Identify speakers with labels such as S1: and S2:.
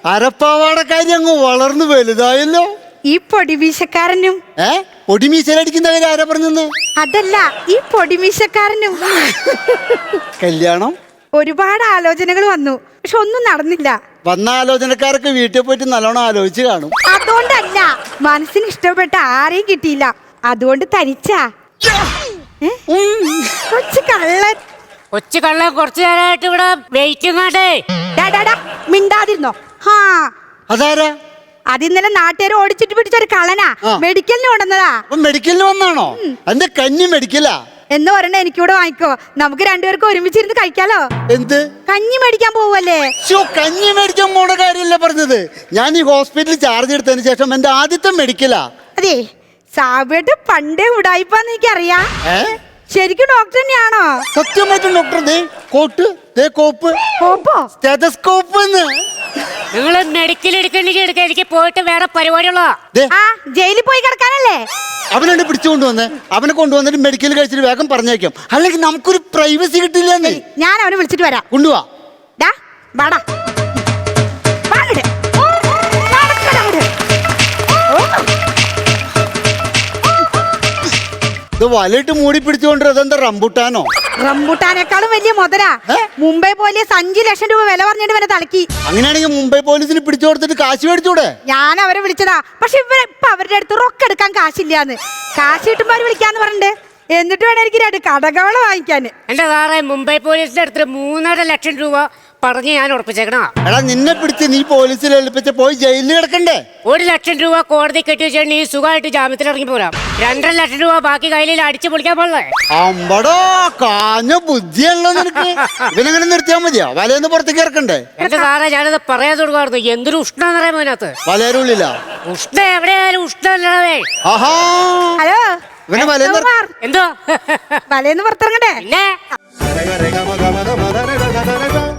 S1: അരപ്പാവാടക്കാരി അങ്ങ് വളർന്നു വലുതായല്ലോ.
S2: ഈ പൊടിമീശക്കാരനും
S1: പൊടിമീശലടിക്കുന്നവര് ആരാ പറഞ്ഞെന്ന്?
S2: അതല്ല, ഈ പൊടിമീശക്കാരനും.
S1: കല്യാണം
S2: ഒരുപാട് ആലോചനകൾ വന്നു, പക്ഷെ ഒന്നും നടന്നില്ല.
S1: വന്ന ആലോചനക്കാരൊക്കെ വീട്ടിൽ പോയിട്ട് നല്ലോണം ആലോചിച്ച് കാണും.
S2: അതുകൊണ്ടല്ല, മനസ്സിന് ഇഷ്ടപ്പെട്ട ആരെയും കിട്ടിയില്ല, അതുകൊണ്ട് തനിച്ചാ. കൊച്ചു കള്ളൻ.
S3: കൊച്ചു കള്ളൻ കുറച്ചു നേരമായിട്ട് ഇവിടെ വെയിറ്റിംഗ്.
S2: മിണ്ടാതിരുന്നോ?
S1: അതാരാ?
S2: അത് ഇന്നലെ നാട്ടുകാർ ഓടിച്ചിട്ട് പിടിച്ചൊരു കള്ളനാ. മെഡിക്കലിന് കൊണ്ടുവന്നതാ.
S1: മെഡിക്കലിന് വന്നാണോ? എന്റെ കഞ്ഞി മെഡിക്കലാ
S2: എന്ന് പറഞ്ഞ എനിക്കൂടെ വാങ്ങിക്കോ, നമുക്ക് രണ്ടുപേർക്കും ഒരുമിച്ചിരുന്ന് കഴിക്കാലോ.
S1: എന്ത്?
S2: കഞ്ഞി മേടിക്കാൻ പോവല്ലേ?
S1: കഞ്ഞി മേടിക്കാൻ പോണ കാര്യമല്ല പറഞ്ഞത്. ഞാൻ ഈ ഹോസ്പിറ്റലിൽ ചാർജ് എടുത്തതിന് ശേഷം എന്റെ ആദ്യത്തെ മെഡിക്കലാ.
S2: അതെ, സാബിയുടെ പണ്ടേ ഉടായിപ്പാന്ന് എനിക്കറിയാം. ശരിക്കും ഡോക്ടർ തന്നെയാണോ?
S1: സത്യമായിട്ടും ഡോക്ടർ. കോട്ട്, കോപ്പ്, സ്റ്റെതസ്കോപ്പ്.
S3: നിങ്ങള് മെഡിക്കൽ എടുക്കണ്ടെങ്കിൽ എനിക്ക് പോയിട്ട് വേറെ പരിപാടിയുള്ള
S2: ജയിലിൽ പോയി കിടക്കാനല്ലേ?
S1: അവനെ പിടിച്ചുകൊണ്ടുവന്ന് അവനെ കൊണ്ടുവന്നിട്ട് മെഡിക്കൽ കഴിച്ചിട്ട് വേഗം പറഞ്ഞേക്കാം, അല്ലെങ്കിൽ നമുക്കൊരു പ്രൈവസി കിട്ടില്ല.
S2: ഞാൻ അവനെ വിളിച്ചിട്ട് വരാം.
S1: കൊണ്ടുപോവാ. വലയിട്ട് മൂടി പിടിച്ചുകൊണ്ട് അതെന്താ റംബുട്ടാനോ?
S2: റംബുട്ടാനേക്കാളും വലിയ മുതലാ. മുംബൈ പോലെ 5 ലക്ഷം രൂപ വില പറഞ്ഞിട്ട് വരെ തലക്കി.
S1: അങ്ങനെയാണെങ്കിൽ മുംബൈ പോലീസിന് പിടിച്ചു കൊടുത്തിട്ട് കാശ് മേടിച്ചൂടെ?
S2: ഞാൻ അവരെ വിളിച്ചതാ, പക്ഷെ ഇപ്പൊ അവരുടെ അടുത്ത് റൊക്ക എടുക്കാൻ കാശില്ലാന്ന്. കാശ് കിട്ടുമ്പോ അവര് വിളിക്കാന്ന് പറഞ്ഞിട്ട്, എന്നിട്ട് വേണം എനിക്ക് 2 കടകള് വാങ്ങിക്കാൻ.
S3: എന്റെ സാറേ, മുംബൈ പോലീസിന്റെ അടുത്ത് 3.5 ലക്ഷം രൂപ പറഞ്ഞ് ഞാൻ ഉറപ്പിച്ചേക്കണ.
S1: എടാ, നിന്നെ പിടിച്ച് നീ പോലീസിൽ ഏൽപ്പിച്ച പോയി ജയിലിൽ കിടക്കണ്ടേ?
S3: 1 ലക്ഷം രൂപ കോടതി കെട്ടി വെച്ചാൽ നീ സുഖമായിട്ട് ജാമ്യത്തിൽ ഇറങ്ങി പോരാം. 2.5 ലക്ഷം രൂപ ബാക്കി കയ്യിൽ അടിച്ചു പൊളിക്കാൻ പാടില്ലേ?
S1: അമ്പടോ, കാഞ്ഞ ബുദ്ധിയല്ലോ നിനക്ക്. ഇവനെങ്ങനെ നിർത്തിയാ മതിയോ? വലയെന്ന് പുറത്തേക്ക് ഇറക്കണ്ടേ?
S3: എന്റെ സാറേ, ഞാനത് പറയാൻ തുടങ്ങായിരുന്നു. എന്തൊരു ഉഷ്ണെന്ന് പറയാൻ അതിനകത്ത്.
S1: വലയരുള്ളില്ല
S3: ഉഷ്ണ എവിടെയായാലും ഉഷ്ണല്ലേ.
S2: ഹലോ,
S3: എന്തോ
S2: വലയെന്ന് പുറത്തിറങ്ങണ്ടേ?
S3: ഇല്ലേ?